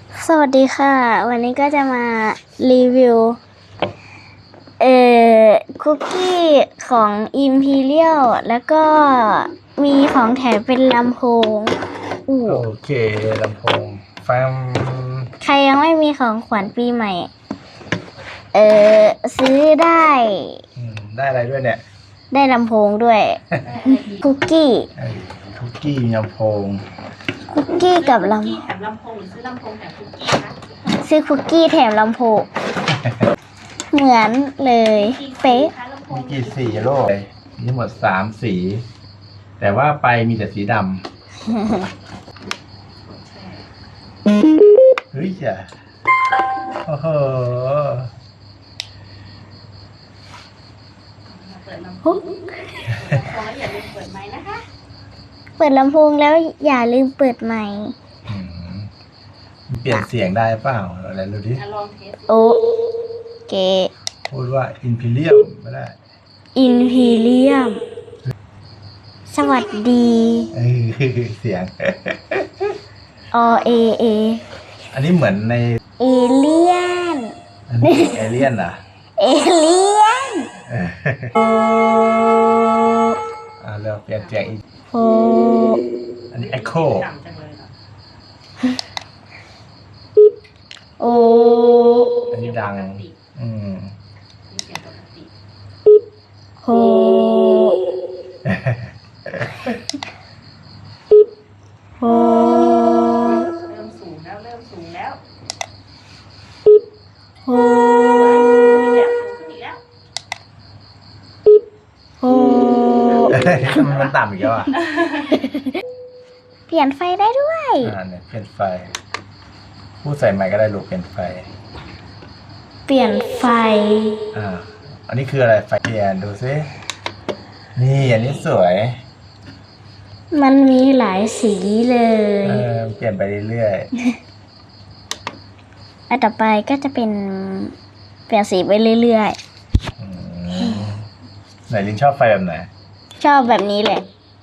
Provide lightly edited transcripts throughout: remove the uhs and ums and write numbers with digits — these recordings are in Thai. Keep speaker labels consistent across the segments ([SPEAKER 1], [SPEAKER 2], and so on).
[SPEAKER 1] สวัสดีค่ะวันนี้ก็จะมารีวิวคุกกี้ของ Imperial แล้วก็มีของแถมเป็นลำโพง
[SPEAKER 2] โอเคลำโพงฟัง
[SPEAKER 1] ใครยังไม่มีของขวัญปีใหม่ซื้อได้
[SPEAKER 2] ได้อะไรด้วยเนี่ย
[SPEAKER 1] ได้ลำโพงด้วย คุกกี้
[SPEAKER 2] มีลำโพง
[SPEAKER 1] คุกกี้กับลำ
[SPEAKER 3] แถมลำโพงหรือซื้อลำโพงแถมคุกกี้นะ
[SPEAKER 1] ซื้อคุกกี้แถมลำโพง เหมือนเลยเป๊ะ
[SPEAKER 2] มีกี่สีโลกมีทั้งหมด3 สีแต่ว่าไปมีแต่สีดำเฮ้ยจ้ะโอ้โห
[SPEAKER 3] เปิดลำโพงอย่าลืมเปิดไมค์นะคะ
[SPEAKER 1] เปิดลำโพงแล้วอย่าลืมเปิดไมค์
[SPEAKER 2] เปลี่ยนเสียงได้เปล่าอะไรดูดิ
[SPEAKER 3] ลองเทส
[SPEAKER 1] โอเค
[SPEAKER 2] พูดว่า Imperial ไม่ได้
[SPEAKER 1] Imperial สวัสดี
[SPEAKER 2] เสียง
[SPEAKER 1] เอ
[SPEAKER 2] อันนี้เหมือนใน
[SPEAKER 1] เอเลียน
[SPEAKER 2] เอเลี่ยนเหรอ
[SPEAKER 1] เอเลียน
[SPEAKER 2] เราเปลี่ยนเสียงอีกอันนี้ Echo
[SPEAKER 3] ดังจังเลยเหรอ
[SPEAKER 2] อันนี้ดัง
[SPEAKER 3] เสียงปกติ
[SPEAKER 1] เ
[SPEAKER 3] ริ่มสูงแล้วสูงขึ้นอีกแล้ว
[SPEAKER 2] มันต่ำอีกแล้วอ่ะ
[SPEAKER 1] เปลี่ยนไฟได้ด้วย
[SPEAKER 2] เนี่ยเปลี่ยนไฟพูดใส่ไมค์ก็ได้ลูกเปลี่ยนไฟ
[SPEAKER 1] เปลี่ยนไฟ
[SPEAKER 2] อันนี้คืออะไรไฟเปลี่ยนดูซินี่อันนี้สวย
[SPEAKER 1] มันมีหลายสีเลย
[SPEAKER 2] เปลี่ยนไปเรื่อย
[SPEAKER 1] ๆอันต่อไปก็จะเป็นเปลี่ยนสีไปเรื่อย
[SPEAKER 2] ๆไหนลินชอบไฟแบบไหน
[SPEAKER 1] ชอบแบบนี้แหละ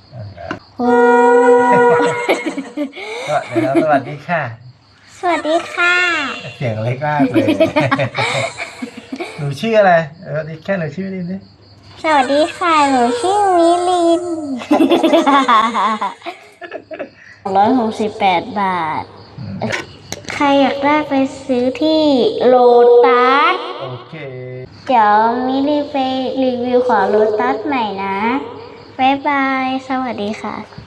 [SPEAKER 2] ก็เดี๋ยวสวัสดีค่ะ
[SPEAKER 1] สวัสดีค่ะ
[SPEAKER 2] เสียงเล็กมากเลยหนูชื่ออะไรดิแค่หนูชื่อลินดิ
[SPEAKER 1] สวัสดีค่ะหนูชื่อมิลิน168 บาทใครอยากได้ไปซื้อที่โลตัส
[SPEAKER 2] โอเค
[SPEAKER 1] เดี๋ยวมิลิไปรีวิวของโลตัสใหม่นะบ๊ายบายสวัสดีค่ะ